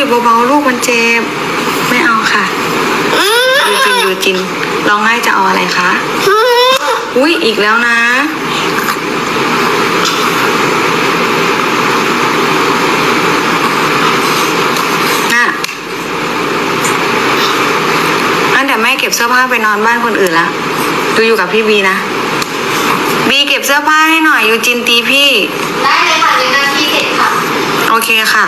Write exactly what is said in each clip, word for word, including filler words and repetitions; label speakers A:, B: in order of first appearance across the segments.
A: เบาๆลูกมันเจ็บไม่เอาค่ะยูจินยูจินร้องไห้จะเอาอะไรคะอุ้ยอีกแล้วนะน่ะงั้นเดี๋ยวแม่เก็บเสื้อผ้าไปนอนบ้านคนอื่นละดูอยู่กับพี่บีนะบีเก็บเสื้อผ้าให้หน่อยยูจินตีพี่
B: ได้เลยค่ะในหน้าที่เสร็จค่ะ
A: โอเคค่ะ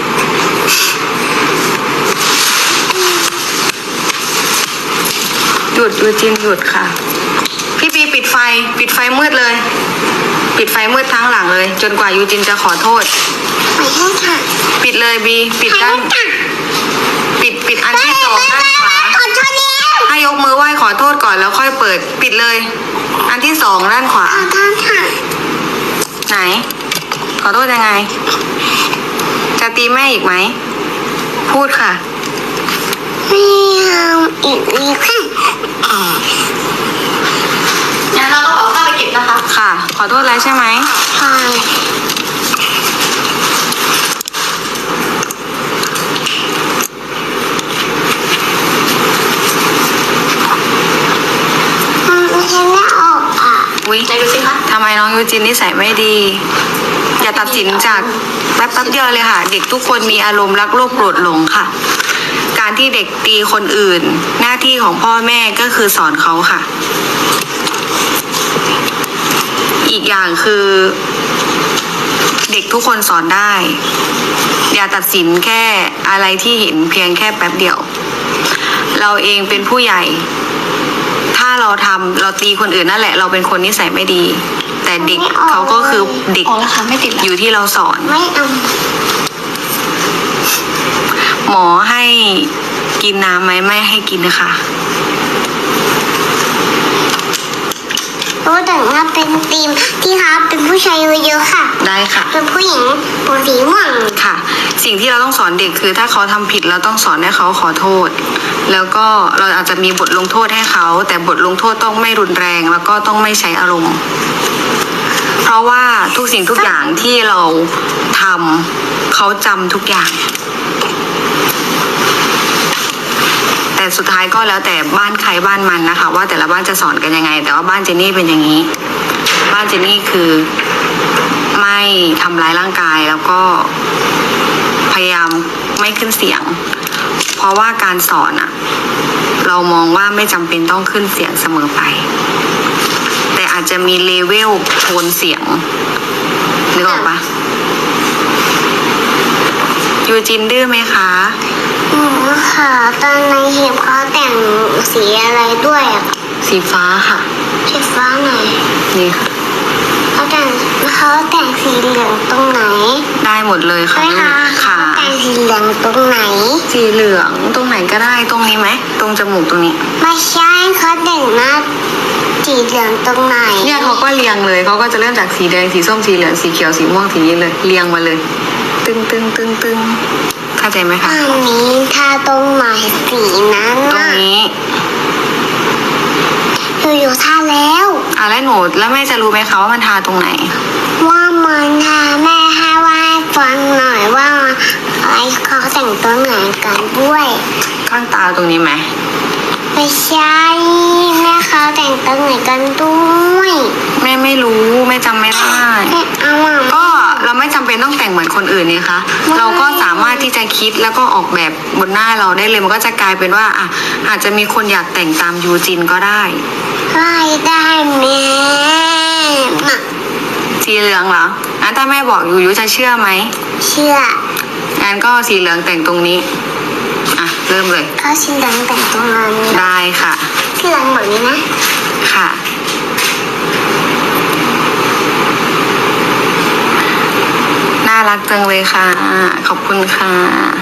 A: หยุดยูจินหยุดค่ะพี่บีปิดไฟปิดไฟมืดเลยปิดไฟมืดทั้งหลังเลยจนกว่ายูจินจะขอโทษ
B: ขอโทษค่ะ
A: ปิดเลยบีปิดด้านปิดปิดอันที่สองด้านขวา
B: ขอโทษแล้ว
A: ให้ยกมือไหว้ขอโทษก่อนแล้วค่อยเปิดปิดเลยอันที่สองด้านขวา
B: ขอโทษค่ะ
A: ไหนขอโทษยังไงจะตีแม่อีกไหมพูดค่ะ
B: ไม่เอาอีกเลยค่ะงั้นเราต้องเอาผ้าไปเก็บนะคะ
A: ค่ะขอโทษแล้วใช่ไหม
B: ค่ะ
A: อุ๊ย
B: ไหนดูสิคะ
A: ทำไมน้องยูจินนิสัยไม่ดีอย่าตัดสินจากแป๊บแป๊บเดียวเลยค่ะเด็กทุกคนมีอารมณ์รักโลภโกรธหลงค่ะการที่เด็กตีคนอื่นหน้าที่ของพ่อแม่ก็คือสอนเขาค่ะอีกอย่างคือเด็กทุกคนสอนได้อย่าตัดสินแค่อะไรที่เห็นเพียงแค่แป๊บเดียวเราเองเป็นผู้ใหญ่ถ้าเราทำเราตีคนอื่นนั่นแหละเราเป็นคนนิสัยไม่ดีแต่เด็กเขาก็คือเด็กอยู่ที่เราสอน
B: ไม่เอา
A: หมอให้กินน้ำไหมไม่ให้กินนะคะ
B: เพราะแต่ว่าเป็นทีมที่ครับเป็นผู้ชายเยอะๆค่ะ
A: ได้ค่ะ
B: เป็นผู้หญิงผมสีม่วง
A: ค่ะสิ่งที่เราต้องสอนเด็กคือถ้าเขาทำผิดเราต้องสอนให้เขาขอโทษแล้วก็เราอาจจะมีบทลงโทษให้เขาแต่บทลงโทษต้องไม่รุนแรงแล้วก็ต้องไม่ใช้อารมณ์เพราะว่าทุกสิ่งทุกอย่างที่เราทำเขาจำทุกอย่างแต่สุดท้ายก็แล้วแต่บ้านใครบ้านมันนะคะว่าแต่ละบ้านจะสอนกันยังไงแต่ว่าบ้านเจนนี่เป็นอย่างนี้บ้านเจนนี่คือไม่ทำร้ายร่างกายแล้วก็พยายามไม่ขึ้นเสียงเพราะว่าการสอนอะเรามองว่าไม่จำเป็นต้องขึ้นเสียงเสมอไปแต่อาจจะมีเลเวลโทนเสียงนึกออกปะยูจินดื้อไหมคะ
B: หนูค่ะตอนในเห็บเขาแต่งสีอะไรด้วยอ่ะ
A: สีฟ้าค่ะ
B: สีฟ้าไหน
A: นี่ค่ะ
B: เขาแต่งเขาแต่งสีเหลืองตรงไหน
A: ได้หมดเลยค่ะ
B: ค่ะแต่งสีเหลืองตรงไหน
A: สีเหลืองตรงไหนก็ได้ตรงนี้ไหมตรงจมูกตรงนี้
B: ไม่ใช่เขาแต่งหน้าสีเหลืองตรงไหน
A: เนี่ยเขาก็เรียงเลยเขาก็จะเริ่มจากสีแดงสีส้มสีเหลืองสีเขียวสีม่วงสีนี้เลยเรียงมาเลยตึงตึงตึงตึงเข้าใจไหมคะ
B: อันนี้ถ้าตรงไหนสีนั้น
A: ตรงนี้
B: หนูอยู่ท่าแล้ว
A: อ่ะแล้วหนูแล้วแม่จะรู้ไหมคะว่ามันทาตรงไหน
B: ว่ามันทาแม่ให้ว่าฟังหน่อยว่าอะไรเขาแต่งตัวไหนกันด้วย
A: ข้างตาตรงนี้ไหม
B: ไม่ใช่แม่เขาแต่งตัวไหนกันด้วย
A: แม่ไม่รู้แม่จำไม่ได้ก็เราไม่จำเป็นต้องแต่งเหมือนคนอื่นนี่คะเราก็สามารถที่จะคิดแล้วก็ออกแบบบนหน้าเราได้เลยมันก็จะกลายเป็นว่าอ่ะอาจจะมีคนอยากแต่งตามยูจินก็ได้
B: ได้ได้แม่
A: สีเหลืองเหรองั้นถ้าแม่บอกยูยูจะเชื่อไหม
B: เชื่อ
A: งั้นก็สีเหลืองแต่งตรงนี้อ่ะเริ่มเลย
B: ก็สีเหลืองแต่งตรงนั้น
A: ได้ค่ะ
B: สีเหลืองแบบนี้นะ
A: ค่ะน่ารักจังเลยค่ะขอบคุณค่ะ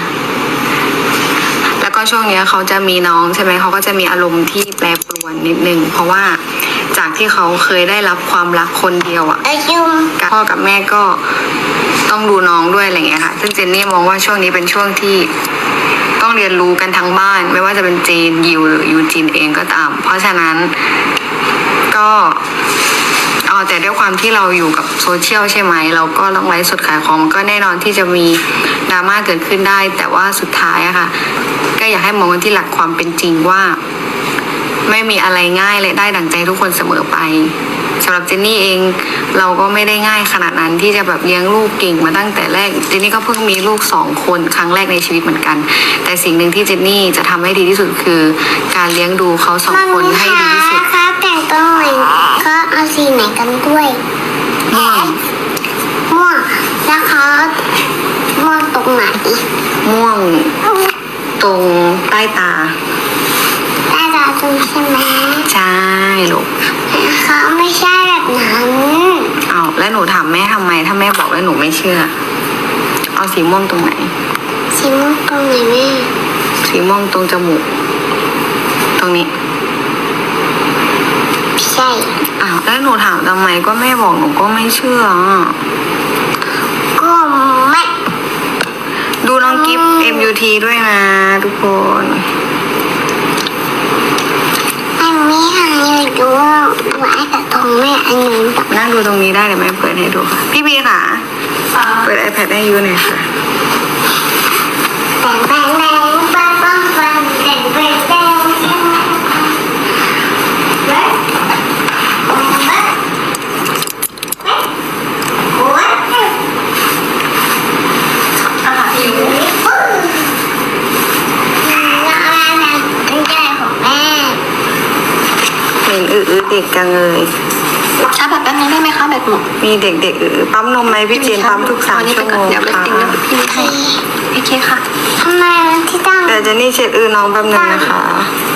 A: แล้วก็ช่วงนี้เขาจะมีน้องใช่ไหมเขาก็จะมีอารมณ์ที่แปรปรวนนิดนึงเพราะว่าจากที่เขาเคยได้รับความรักคนเดียวอ่ะพ่อกับแม่ก็ต้องดูน้องด้วยอะไรอย่างเงี้ยค่ะซึ่งเจนนี่มองว่าช่วงนี้เป็นช่วงที่ต้องเรียนรู้กันทั้งบ้านไม่ว่าจะเป็นเจนยิวหรือยูจินเองก็ตามเพราะฉะนั้นก็เอาแต่ด้วยความที่เราอยู่กับโซเชียลใช่ไหมเราก็ต้องไลฟ์สดขายของมันก็แน่นอนที่จะมีดราม่าเกิดขึ้นได้ แต่ว่าสุดท้ายอะค่ะ ก็อยากให้มองกันที่หลักความเป็นจริงว่า ไม่มีอะไรง่ายและได้ดั่งใจทุกคนเสมอไปสำหรับเจนนี่เองเราก็ไม่ได้ง่ายขนาดนั้นที่จะแบบเลี้ยงลูกเก่งมาตั้งแต่แรกเจนนี่ก็เพิ่งมีลูกสองคนครั้งแรกในชีวิตเหมือนกัน แต่สิ่งหนึ่งที่เจนนี่จะทำให้ดีที่สุดคือ การเลี้ยงดูเขาสอง
B: มัน
A: คน
B: มี
A: ให้
B: ขา
A: ดีที่สุด
B: ครับแต่งตัวเหมือนเขาเอาสีไหนกันด้วย
A: ม่วง
B: ม่วงแล้วเขาม่วงตรงไหน
A: ม่วงตรงใต้ตา
B: ได้ตาตรงใช่ไหม
A: ใช่ลูก
B: เขาไม่ใช่แบบนั้น
A: เอาแล้วหนูถามแม่ทำไมถ้าแม่บอกแล้วหนูไม่เชื่อ เอาสีม่วงตรงไหน
B: สีม่วงตรงไหนแม่
A: สีม่วงตรงจมูก ตรงนี้
B: ใช่
A: อ้าวแล้วหนูถามทำไมก็แม่บอกหนูก็ไม่เชื่ออ่ะ
B: ก็ไม่
A: ดูน้องกิฟต์ เอ็ม ยู ที ด้วยนะทุกคน
B: ไม่มีหาอยู่ดูดูไอ้กระทงแม่อันนั้นแบบ
A: นั่งดูตรงนี้ได้เดี๋ยวแม่เปิดให้ดูค่ะ พี่บีค่ะ เปิด iPad ให้ยูหน่อยค่ะ
B: แต่งแต่งแต่งปังปังปังแต่งแต่งแต่งใช่ไหมเว้ยเว้ยเว้ยโอ้ยอ่ะอยู่แล้วอะไรนะเป็นใจของแม่
A: เห็นอือๆเด็กจังเลย
C: ชาร์จแบตแป๊บนึงได้ไหมคะแบตหมด
A: มีเด็กๆอือปั๊มนมไหมพี่เจนปั๊มทุกสาม
C: เอนี้
A: ชั่ว
C: ไป
A: โม
C: ก่อน
A: ง
C: เดี๋ยวไป
A: ค่ะ
C: ติงแล้วพี่ให้โอเคค่ะ
B: ทำไมที่ตั้ง
A: แต่เจนนี่เช็ดอือน้องแป๊บนึงนะคะ